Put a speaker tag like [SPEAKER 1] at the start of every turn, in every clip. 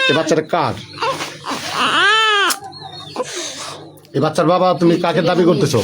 [SPEAKER 1] এ বাচ্চাটা কার? এ বাচ্চার বাবা তুমি কাকে দাবি করতেছো?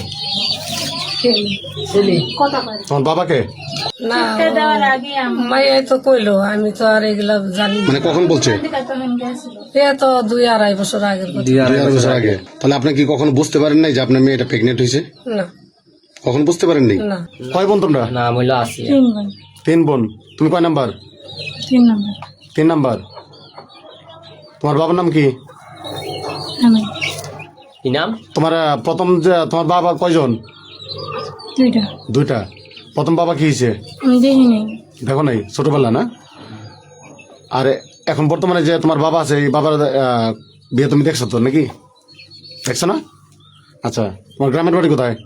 [SPEAKER 1] তোমার বাবাকে?
[SPEAKER 2] না মাইয়াই তো কইলো, আমি তো আর এগুলা জানি না।
[SPEAKER 1] মানে কখন বলছে?
[SPEAKER 2] এ তো 2-2.5 বছর আগের কথা।
[SPEAKER 1] 2-2.5 বছর আগে। তাহলে আপনি কি কখনো বুঝতে পারেন নাই যে আপনার মেয়েটা প্রেগনেন্ট হয়েছে?
[SPEAKER 2] না
[SPEAKER 1] কখন বুঝতে পারেননি?
[SPEAKER 2] না
[SPEAKER 1] কয় বোন তোমরা?
[SPEAKER 3] নাম হইলো আসিয়া।
[SPEAKER 2] 3 বোন।
[SPEAKER 1] 3 বোন। তুমি কয় নাম্বার?
[SPEAKER 2] 3 নম্বর।
[SPEAKER 1] 3 নাম্বার। তোমার বাবার নাম কি?
[SPEAKER 2] আমি
[SPEAKER 3] কি নাম?
[SPEAKER 1] তোমার প্রথম যে তোমার বাবা কয়জন?
[SPEAKER 2] 2টা।
[SPEAKER 1] 2টা। প্রথম বাবা কি হয়েছে?
[SPEAKER 2] আমি দেখিনি।
[SPEAKER 1] দেখো নাই, ছোটবেলা না? আর এখন বর্তমানে যে তোমার বাবা আছে, এই বাবার বিয়ে তুমি দেখছো তো নাকি? দেখছো না? আচ্ছা, তোমার গ্রামের বাড়ি কোথায়?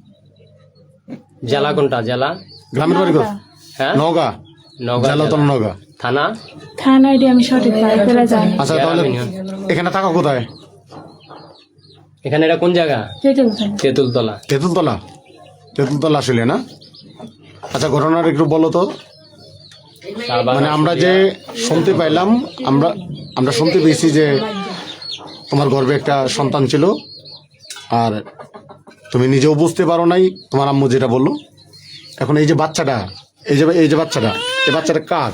[SPEAKER 3] জেলা কোনটা? জেলা
[SPEAKER 1] গ্রামের বাড়ি কোথায়?
[SPEAKER 3] হ্যাঁ
[SPEAKER 1] নওগাঁ।
[SPEAKER 3] নওগাঁ
[SPEAKER 1] জেলা তো
[SPEAKER 3] জেলা।
[SPEAKER 1] নওগাঁ।
[SPEAKER 3] থানা
[SPEAKER 2] থানা আইডি আমি সঠিক করে জানি।
[SPEAKER 1] আচ্ছা, তাহলে এখানে থাকো কোথায়?
[SPEAKER 3] এখানে এটা কোন জায়গা? তেঁতুলতলা।
[SPEAKER 1] তেঁতুলতলা। তেঁতুলতলা আসলে না? আচ্ছা, ঘটনাটা একটু বলো তো। মানে আমরা যে শুনতে পাইলাম, আমরা শুনতে পেয়েছি যে তোমার গর্ভে একটা সন্তান ছিল, আর তুমি নিজেও বুঝতে পারো নাই, তোমার আম্মু যেটা বললো। এখন এই যে বাচ্চাটা, এই যে বাচ্চাটা, এই বাচ্চাটা কার?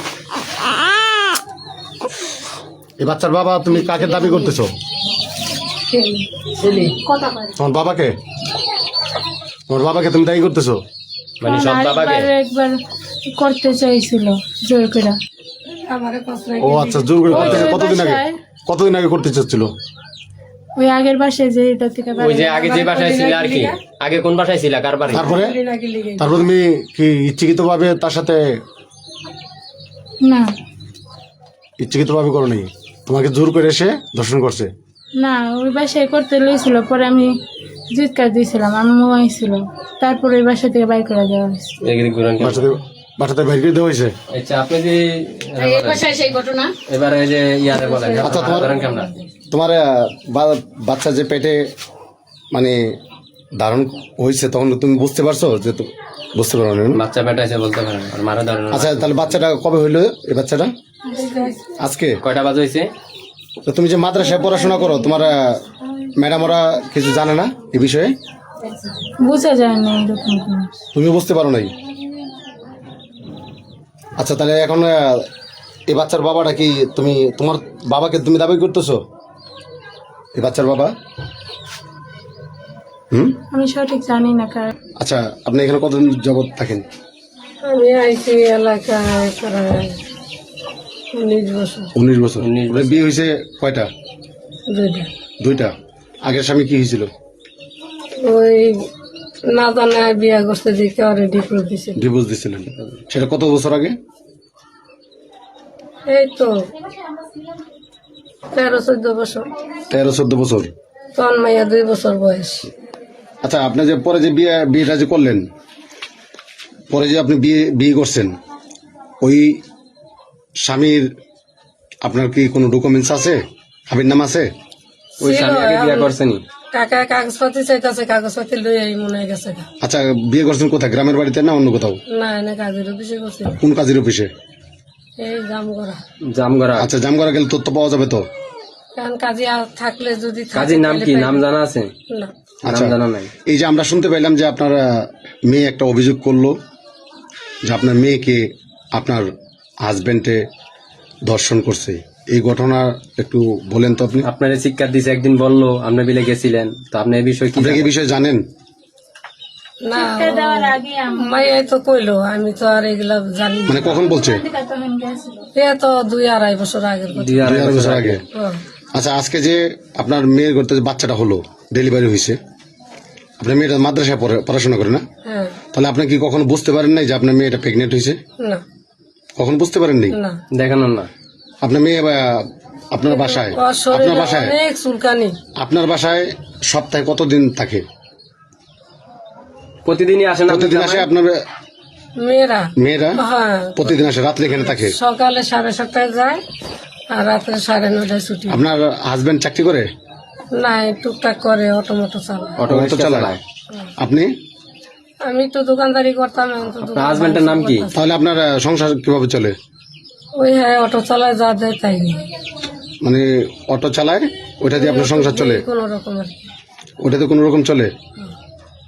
[SPEAKER 1] এই বাচ্চার বাবা তুমি কাকে দাবি করতেছো? তোমার বাবাকে? তোমার বাবাকে তুমি দায়ী করতেছো?
[SPEAKER 3] মানে সব বাবাকে?
[SPEAKER 2] একবার করতে চাইছিল জোর করে।
[SPEAKER 1] ও আচ্ছা, জোর করে করতে কতদিন আগে করতে চাচ্ছিল?
[SPEAKER 2] ওই আগের বাসায় যে এটা থেকে
[SPEAKER 3] ওই যে আগে যে বাসায় ছিল আর কি, আগে কোন বাসায় ছিল, কার বাড়ি?
[SPEAKER 1] তারপরে তুমি কি ইচ্ছাকৃত ভাবে তার সাথে?
[SPEAKER 2] না
[SPEAKER 1] ইচ্ছাকৃত ভাবে করো নি, তোমাকে জোর করে এসে ধর্ষণ করছে?
[SPEAKER 2] না, ওই বাসায় করতে লইছিল, পরে আমি জিৎকার দিয়েছিলাম, আমি মোবাইল ছিল, তারপরে ওই বাসা থেকে বাইর করে দেওয়া হয়েছে।
[SPEAKER 1] বাসাতে বাইর করে দেওয়া হয়েছে?
[SPEAKER 3] আচ্ছা, আপনি যে
[SPEAKER 2] সেই ঘটনা
[SPEAKER 3] এবারে যে ইয়ারে বলেন,
[SPEAKER 1] আচ্ছা,
[SPEAKER 3] করেন কেমন?
[SPEAKER 1] তোমার বাচ্চা যে পেটে মানে ধারণ হয়েছে, তখন তুমি বুঝতে পারছো যে? বুঝতে পারো না?
[SPEAKER 3] বাচ্চা পেটাইছে বলতে পারেন, আর মারা ধরেন।
[SPEAKER 1] আচ্ছা, তাহলে বাচ্চাটা কবে হইলো? এই বাচ্চাটা আজকে
[SPEAKER 3] কয়টা বাজে হয়েছে?
[SPEAKER 1] তো তুমি যে মাদ্রাসায় পড়াশোনা করো, তোমার ম্যাডাম ওরা কিছু জানে না এই বিষয়ে?
[SPEAKER 2] বুঝা যায় না এরকম কোনো।
[SPEAKER 1] তুমি বুঝতে পারো নাই? আচ্ছা, তাহলে এখন এই বাচ্চার বাবাটা কি তোমার বাবাকে তুমি দাবি করতেছো? এই বাচ্চার বাবা?
[SPEAKER 2] আমি সঠিক জানি না কার।
[SPEAKER 1] আচ্ছা, আপনি এখানে কতদিন যাবত থাকেন?
[SPEAKER 2] আমি আইসি এলাকায় প্রায় 19 বছর।
[SPEAKER 1] 19 বছর। বিয়ে হয়েছে কয়টা?
[SPEAKER 2] 2টা।
[SPEAKER 1] 2টা। আগের স্বামী কি হয়েছিল?
[SPEAKER 2] ওই না জানা বিয়া করতে দিকে অলরেডি করে দিছে।
[SPEAKER 1] ডিভোর্স দিছিলেন? সেটা কত বছর আগে?
[SPEAKER 2] এই তো 13-14 বছর।
[SPEAKER 1] 13-14 বছর।
[SPEAKER 2] তখন মাইয়া 2 বছর বয়স।
[SPEAKER 1] আচ্ছা, আপনি যে পরে যে বিয়েটা যে করলেন, পরে যে আপনি বিয়ে করছেন, ওই স্বামীর আপনার কি কোনো ডকুমেন্টস আছে? আবির নাম আছে?
[SPEAKER 3] ওই স্বামী আগে বিয়ে করছেনি?
[SPEAKER 2] কাকা কাগজপাতি চাইতেছে, কাগজপাতি লই এই মনে হয়ে গেছে।
[SPEAKER 1] আচ্ছা, বিয়ে করছেন কোথায়? গ্রামের বাড়িতে না অন্য কোথাও?
[SPEAKER 2] না না, কাজের অফিসে করছে।
[SPEAKER 1] কোন কাজের অফিসে?
[SPEAKER 2] এই জামগড়া।
[SPEAKER 3] জামগড়া।
[SPEAKER 1] আচ্ছা, জামগড়া গেলে তথ্য পাওয়া যাবে তো?
[SPEAKER 2] কারণ কাজে থাকলে যদি
[SPEAKER 3] কাজীর নাম কি? নাম জানা আছে?
[SPEAKER 2] না।
[SPEAKER 1] আচ্ছা,
[SPEAKER 3] নাম জানা নাই।
[SPEAKER 1] এই যে আমরা শুনতে পাইলাম যে আপনার মেয়ে একটা অভিযোগ করলো যে আপনার মেয়েকে আপনার হাজবেন্ডে ধর্ষণ করছে, এই ঘটনা একটু বলেন তো আপনি।
[SPEAKER 3] আপনার শিক্ষা দিছে, একদিন বললো, আপনি বিলে গেছিলেন, তো আপনি এই বিষয়ে কি
[SPEAKER 1] আপনি এই বিষয়ে জানেন?
[SPEAKER 2] না, মাইয়াই তো কইলো, আমি তো আর এগুলা জানি না।
[SPEAKER 1] মানে কখন বলছে?
[SPEAKER 2] এ তো 2-2.5 বছর আগের কথা।
[SPEAKER 1] 2-2.5 বছর আগে।
[SPEAKER 2] ও,
[SPEAKER 1] আচ্ছা, আজকে যে আপনার মেয়ের ঘরতে যে বাচ্চাটা হলো, ডেলিভারি হয়েছে, আপনার মেয়েটা মাদ্রাসায় পড়াশোনা করে না?
[SPEAKER 2] হ্যাঁ।
[SPEAKER 1] তাহলে আপনি কি কখনো বুঝতে পারেন নাই যে আপনার মেয়েটা প্রেগনেন্ট হয়েছে?
[SPEAKER 2] না
[SPEAKER 1] কখন বুঝতে পারেননি?
[SPEAKER 2] না।
[SPEAKER 3] দেখানো না?
[SPEAKER 1] আপনার মেয়ে আপনার বাসায়,
[SPEAKER 2] ওর শরীরে অনেক চুলকানি।
[SPEAKER 1] আপনার বাসায় সপ্তাহে কতদিন থাকে?
[SPEAKER 3] প্রতিদিনই আসে না?
[SPEAKER 1] প্রতিদিন আসে আপনার
[SPEAKER 2] মেয়েরা?
[SPEAKER 1] মেয়েরা
[SPEAKER 2] হ্যাঁ,
[SPEAKER 1] প্রতিদিন আসে, রাত্রে এখানে থাকে?
[SPEAKER 2] সকালে 7:30 যায় আর রাত্রে 9:30 ছুটি।
[SPEAKER 1] আপনার হাজবেন্ড চাকরি করে?
[SPEAKER 2] না, টুকটাক করে, অটোমোটো চালায়।
[SPEAKER 1] অটো চালায়। আপনি?
[SPEAKER 2] আমি তো দোকানদারি করতাম, এখন তো
[SPEAKER 3] আপনার হাজবেন্ডের নাম কি?
[SPEAKER 1] তাহলে আপনার সংসার কিভাবে চলে?
[SPEAKER 4] ওই হ্যাঁ অটো চালায় যা দেয় তাই নিয়ে
[SPEAKER 1] মানে অটো চালায়, ওইটা দিয়ে আপনার সংসার চলে?
[SPEAKER 4] কোনো রকমের
[SPEAKER 1] ওটাতে কোনো রকম চলে?